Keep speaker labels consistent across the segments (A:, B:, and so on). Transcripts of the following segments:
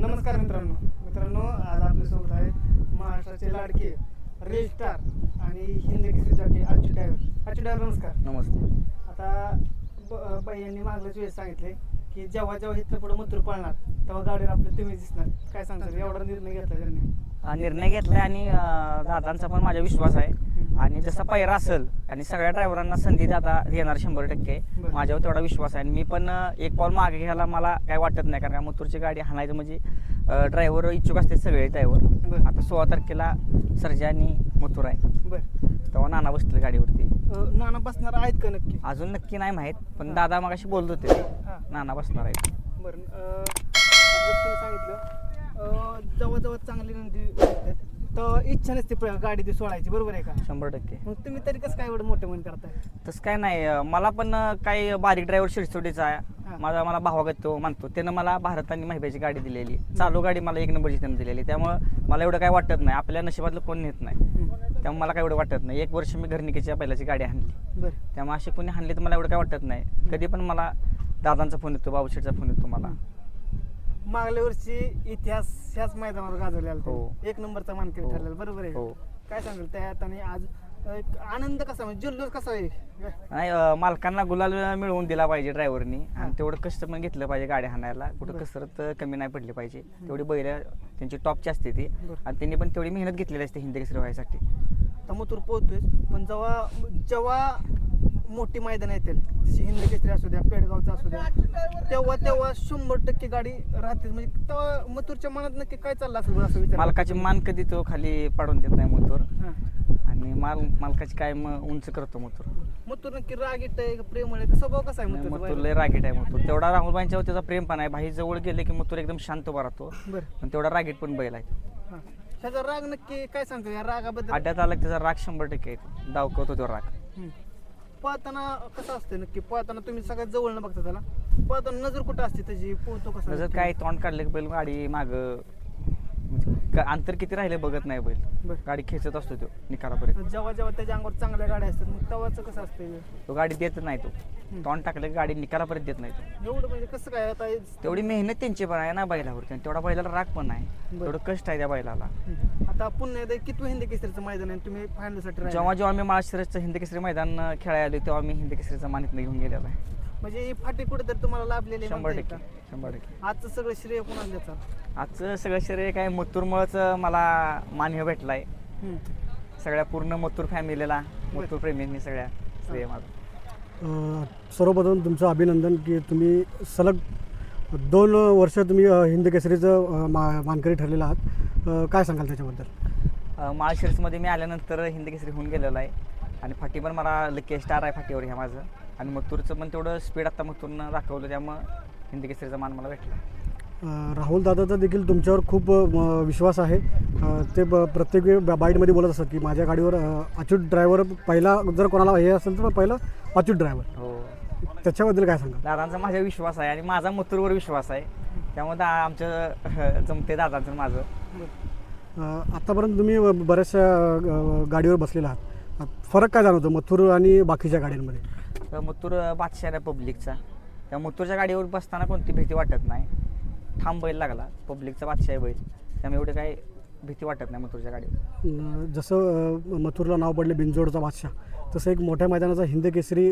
A: नमस्कार मित्रांनो आज आपल्यासोबत आहे महाराष्ट्राचे लाडके रेल स्टार आणि हिंद केसरी जॉकी आजू ड्रायव्हर नमस्कार.
B: नमस्ते.
A: आता यांनी मागल्याच वेळेस सांगितले की जेव्हा इथं पुढे मथुर पळणार तेव्हा गाडीवर आपले तुम्ही दिसणार. काय सांगतात, एवढा निर्णय घेतला त्यांनी?
B: निर्णय घेतलाय आणि दादांचा पण माझा विश्वास आहे आणि जसा पहिरा असेल आणि सगळ्या ड्रायव्हरांना संधी दादा देणार 100%. माझ्यावर तेवढा विश्वास आहे आणि मी पण एक पाऊल मागे घ्यायला मला काय वाटत नाही, कारण का मथुरची गाडी हाणायचं म्हणजे ड्रायव्हर इच्छुक असते सगळे ड्रायव्हर. आता 16 तारखेला सर्जा आणि मथुर आहे, तेव्हा नाना बसतील गाडीवरती.
A: नाना बसणार आहेत का नक्की?
B: अजून नक्की नाही माहीत, पण दादा मगाशी बोलत होते नाना बसणार आहेत.
A: बरं, तुम्ही सांगितलं जवळ चांगली नंदी तर इच्छा नसते गाडी ती सोडायची, बरोबर आहे का?
B: 100%.
A: मग तुम्ही तरी कसं काय एवढं मोठं मन करताय?
B: तसं काय नाही, मला पण काही बारीक ड्रायव्हर शिरसोडीचा आहे, मला भावागत तो मानतो. त्यानं मला भारत आणि महिबाची गाडी दिलेली, चालू गाडी मला 1 नंबरची त्यानं दिलेली, त्यामुळं मला एवढं काय वाटत नाही. आपल्या नशिबातलं कोण नेत नाही, त्यामुळे मला काय एवढं वाटत नाही. 1 वर्ष मी घरनिकेच्या बैलाची गाडी हाणली, त्यामुळे अशी कोणी हाणली तर मला एवढं काय वाटत नाही. कधी पण मला दादांचा फोन येतो, बाबूशेठचा फोन येतो मला.
A: मागल्या वर्षी इतिहास ह्याच मैदानावर गाजवलेला,
B: हो.
A: 1 नंबरचा मानकरी ठरलेला, बरोबर आहे?
B: हो.
A: काय सांगाल त्यात? आणि आज आनंद कसा, म्हणजे जल्लोष कसा आहे?
B: नाही, मालकांना गुलाल मिळवून दिला पाहिजे ड्रायव्हरनी, आणि तेवढं कष्ट पण घेतलं पाहिजे गाडी हाणायला. कुठं कसरत कमी नाही पडली पाहिजे. तेवढी बैल त्यांची टॉपची असते ती, आणि त्यांनी पण तेवढी मेहनत घेतलेली असते हिंद केसरी व्हायसाठी.
A: तर मथुर पोहतोय, पण जेव्हा मोठी मैदान येतील, जशी हिंद केसरी असू द्या, पेडगावचा असू द्या, तेव्हा 100% गाडी राहते. म्हणजे तेव्हा मथुरच्या मनात नक्की काय चाललं असेल असं विचार?
B: मालकाची मान कधी तो खाली पाडून देत नाही मथुर, आणि मालकाची काय उंच करतो मथुर.
A: मथुर नक्की रागीट आहे, प्रेम आहे, स्वभाव कसा आहे
B: मथुर लय रागीट आहे मथुर. तेवढा राहुलबाईंच्यावर त्याचा प्रेम पण आहे. भाई जवळ गेले की मथुर एकदम शांत उभा राहतो, पण तेवढा रागीट पण बैल आहे.
A: त्याचा राग नक्की काय सांगतो या रागाबद्दल?
B: अड्ड्यात आला त्याचा राग 100% आहे, दावकवतो तो राग.
A: पळताना कसं असतं नक्की? पळताना तुम्ही सगळ्यात जवळ न बघता त्याला, पळताना नजर कुठं असते त्याची? पोहतो कसं?
B: नजर काय, तोंड काढले की बैल गाडी माग अंतर किती राहिले बघत नाही बैल, गाडी खेचत असतो तो निकालापर्यंत.
A: जेव्हा त्याच्या अंगावर चांगल्या गाड्या असतात मग तेव्हाच कसं असतं?
B: तो गाडी देत नाही, तो तोंड टाकलं की गाडी निकालापर्यंत देत नाही तो.
A: एवढं म्हणजे कसं काय? आता
B: तेवढी मेहनत त्यांची पण आहे ना बैलावरती, आणि तेवढा बैलाला राग पण आहे, तेवढं कष्ट आहे त्या बैलाला.
A: आता पुन्हा एकदा किती हिंद केसरीचं मैदान आहे तुम्ही फायनलसाठी?
B: जेव्हा मी माळशिरसचं हिंद केसरी मैदान खेळायला आलो तेव्हा मी हिंद केसरीचा मानितनं घेऊन गेलेला आहे.
A: म्हणजे ही फाटी कुठे तर तुम्हाला लाभलेली?
B: 100%.
A: आजचं सगळं श्रेय कोणाला द्यायचं?
B: आजचं सगळं श्रेय काय मथुरमुळंच मला मान्य भेटलाय. सगळ्या पूर्ण मथुर फॅमिलीला, मथुर प्रेमींनी सगळ्या श्रेय माझं.
C: सर्वप्रथम तुमचं अभिनंदन की तुम्ही सलग 2 वर्ष तुम्ही हिंद केसरीचं मानकरी ठरलेला आहात. काय सांगाल त्याच्याबद्दल?
B: माळशिरसमध्ये मी आल्यानंतर हिंद केसरी होऊन गेलेला आहे, आणि फाटी पण मला लकी स्टार आहे फाटीवर ह्या माझं, आणि मथुरचं पण तेवढं स्पीड आता मथुरनं दाखवलं, त्यामुळं हिंद केसरीचा मान मला भेटला.
C: राहुल दादाचा देखील तुमच्यावर खूप विश्वास आहे. ते प्रत्येक वेळी बाईटमध्ये बोलत असतात की माझ्या गाडीवर अच्युत ड्रायव्हर पहिला, जर कोणाला हे असेल तर पहिलं अच्युत ड्रायव्हर.
B: हो,
C: त्याच्याबद्दल काय सांगा?
B: दादांचा माझा विश्वास आहे आणि माझा मथुरवर विश्वास आहे, त्यामुळे आमचं जमते दादांचं माझं.
C: आत्तापर्यंत तुम्ही बऱ्याचशा गाडीवर बसलेला आहात, फरक काय जाणवतो मथुर आणि बाकीच्या गाड्यांमध्ये?
B: मथुर बादशाह आहे पब्लिकचा, त्या मथुरच्या गाडीवर बसताना कोणती भीती वाटत नाही. ठाम बैल लागला, पब्लिकचा बादशाह बैल, त्यामुळे एवढे काही भीती वाटत नाही मथुरच्या गाडीवर.
C: जसं मथुरला नाव पडले बिनजोडचा बादशाह, तसं एक मोठ्या मैदानाचा हिंद केसरी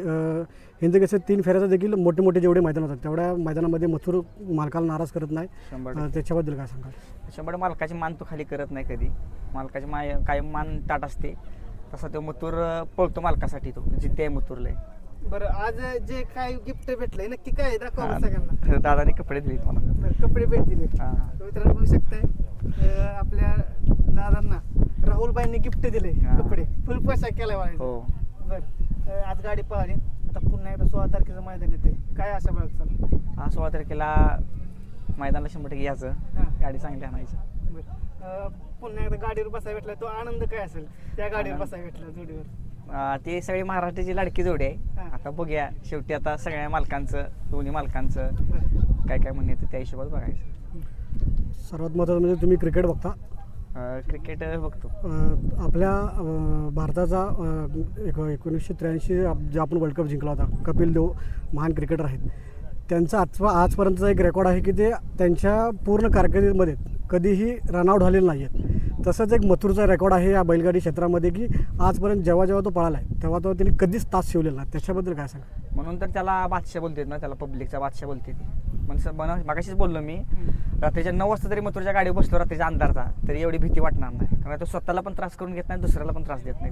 C: 3 फेऱ्याचा देखील मोठे जेवढे मैदान होतात तेवढ्या मैदानामध्ये मथुर मालकाला नाराज करत नाही. त्याच्याबद्दल काय सांगाल?
B: 100% मालकाची मान तो खाली करत नाही कधी, मालकाची कायम मान ताट असते. तसा तो मथुर पळतो मालकासाठी, तो जिद्दी आहे मथुरला.
A: बरं, आज जे काय गिफ्ट भेटलंय नक्की काय दाखवा सगळ्यांना.
B: दादाने कपडे दिले मला.
A: कपडे भेट दिले मित्रांनो, बघू शकताय आपल्या दादांना राहुलबाईंनी गिफ्ट दिले कपडे, फुल पोशाख केलाय मला.
B: हो.
A: बरं, आज गाडी पळाली, आता पुन्हा एकदा 16 तारखेचं मैदान येते, काय अशा बाळगचाल?
B: 16 तारखेला मैदानाला 100% यायचं, गाडी चांगली आणायची.
A: पुन्हा एकदा गाडीवर बसायला भेटला, तो आनंद काय असेल त्या गाडीवर बसायला भेटला जोडीवर?
B: ते सगळी महाराष्ट्राची लाडकी जोडी आहे. आता बघूया शेवटी, आता सगळ्या मालकांचं, दोन्ही मालकांचं काय काय म्हणणं येतं त्या हिशोबात बघायचं.
C: सर्वात महत्त्वाचं म्हणजे तुम्ही क्रिकेट बघता?
B: क्रिकेट बघतो.
C: आपल्या भारताचा 1983 जे आपण वर्ल्ड कप जिंकला होता, कपिल देव महान क्रिकेटर आहेत. त्यांचा आजपर्यंतचा एक रेकॉर्ड आहे की ते त्यांच्या पूर्ण कारकिर्दीमध्ये कधीही रनआउट झालेले नाही आहेत. तसंच एक मथुरचा रेकॉर्ड आहे या बैलगाडी क्षेत्रामध्ये की आजपर्यंत जेव्हा जेव्हा तो पळाला आहे तेव्हा तो त्यांनी कधीच तास शिवलेला नाही. त्याच्याबद्दल काय सांगा?
B: म्हणून तर त्याला बादशाह बोलतात ना, त्याला पब्लिकचा बादशाह बोलते. म्हणून मागाशीच बोललो मी, रात्रीच्या 9 वाजता तरी मथुरच्या गाडीवर बसलो रात्रीच्या अंधारचा तरी एवढी भीती वाटणार नाही, कारण तो स्वतःला पण त्रास करून घेत नाही, दुसऱ्याला पण त्रास देत नाही.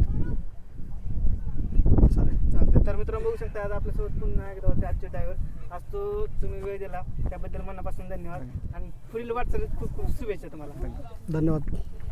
A: चालतंय. तर मित्रांनो बघू शकता आज आपल्यासोबत पुन्हा एकदा होते आजचे ड्रायव्हर. आज तो तुम्ही वेळ दिला त्याबद्दल मनापासून धन्यवाद आणि पुढील वाटचालीत खूप खूप शुभेच्छा तुम्हाला.
C: धन्यवाद.